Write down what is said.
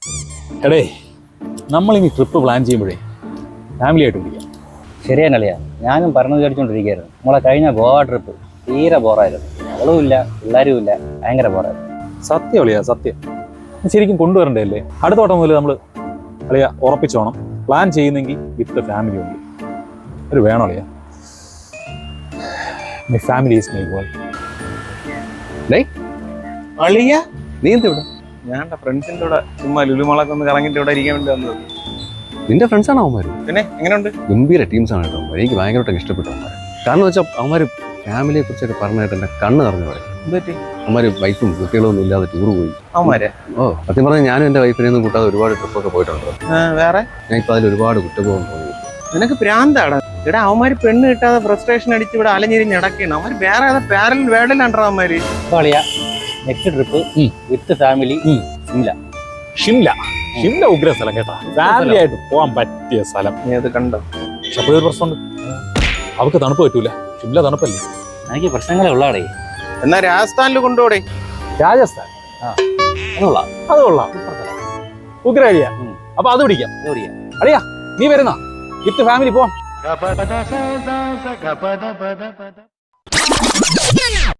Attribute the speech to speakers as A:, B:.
A: എടേ നമ്മളിനി trip plan ചെയ്യുമ്പോഴേ ഫാമിലി ആയിട്ട് പിടിക്കാം.
B: ശരിയാണല്ലയാ, ഞാനും പറഞ്ഞു വിചാരിച്ചുകൊണ്ടിരിക്കുകയായിരുന്നു. നമ്മളെ കഴിഞ്ഞ ഗോവ ട്രിപ്പ് തീരെ ബോറായിരുന്നു. അവളും ഇല്ല, പിള്ളേരും ഇല്ല, ഭയങ്കര ബോറായിരുന്നു.
A: സത്യം അളിയാ, സത്യം. ശരിക്കും കൊണ്ടുവരണ്ടേ അല്ലേ? അടുത്ത വട്ടം മുതൽ നമ്മൾ അളിയാ ഉറപ്പിച്ചോണം, പ്ലാൻ ചെയ്യുന്നെങ്കിൽ വിത്ത് ഫാമിലി ഉണ്ട്. ഒരു വേണം അളിയാ. My family is my goal.
C: അളിയ നീ എന്ത് ഇവിടെ? ഞാൻ ഫ്രണ്ട്സിന്റെ കൂടെ ചുമ്മാ ലുലുമളൊക്കെ ഒന്ന് കറങ്ങിട്ട് ഇവിടെ ഇരിക്കാൻ വേണ്ടി വന്നത്.
D: നിന്റെ ഫ്രണ്ട്സാണ് അവന്മാർ?
C: പിന്നെ എങ്ങനെയുണ്ട്?
D: ഗംഭീര ടീംസാണ് കേട്ടോ അവന്മാർ. എനിക്ക് ഭയങ്കരമായിട്ട് ഇഷ്ടപ്പെട്ടു അവന്മാർ. കാരണം വെച്ചാൽ അവന്മാർ ഫാമിലിയെ കുറിച്ചൊക്കെ പറഞ്ഞായിട്ട് എൻ്റെ കണ്ണ് നിറഞ്ഞു പറയും.
C: എന്തുപറ്റി?
D: അവന്മാർ വൈഫും കുട്ടികളും ഒന്നും ഇല്ലാതെ ടൂർ പോയി.
C: അവന്മാരെ?
D: ഓ സത്യം പറഞ്ഞാൽ ഞാനും എൻ്റെ വൈഫിനെ ഒന്നും കൂട്ടാതെ ഒരുപാട് ട്രിപ്പൊക്കെ പോയിട്ടുണ്ട്.
C: വേറെ
D: ഞാൻ ഇപ്പോൾ അതിൽ ഒരുപാട് കുറ്റബോധം തോന്നി.
C: നിനക്ക് പ്രാന്താടാ. ഇവിടെ അവന്മാര് പെണ്ണ് കിട്ടാതെ ഫ്രസ്ട്രേഷൻ അടിച്ച് ഇവിടെ അലഞ്ഞിരിഞ്ഞ് നടക്കണം. അവന്മാര് വേറെ ഏതാ പാരൽ വേടലാണ്ടാ അവന്മാര്.
B: Next trip with family Shimla.
A: Shimla ഉഗ്ര സ്ഥലം കേട്ടാ, ഫാമിലി ആയിട്ട് പോകാൻ പറ്റിയ സ്ഥലം.
C: നീ അത് കണ്ടോ?
A: പക്ഷെ അപ്പോഴൊരു പ്രശ്നമുണ്ട്, അവർക്ക് തണുപ്പ് പറ്റൂല. ഷിംല തണുപ്പല്ലേ?
B: എനിക്ക് പ്രശ്നങ്ങളെ ഉള്ളാടേ.
C: എന്നാ രാജസ്ഥാനിൽ കൊണ്ടുപോടേ.
A: രാജസ്ഥാൻ അത് കൊള്ളാം, ഉഗ്ര ഐഡിയ. അപ്പൊ അത് പിടിക്കാം. അളിയാ നീ വരുന്ന വിത്ത് ഫാമിലി പോവാം.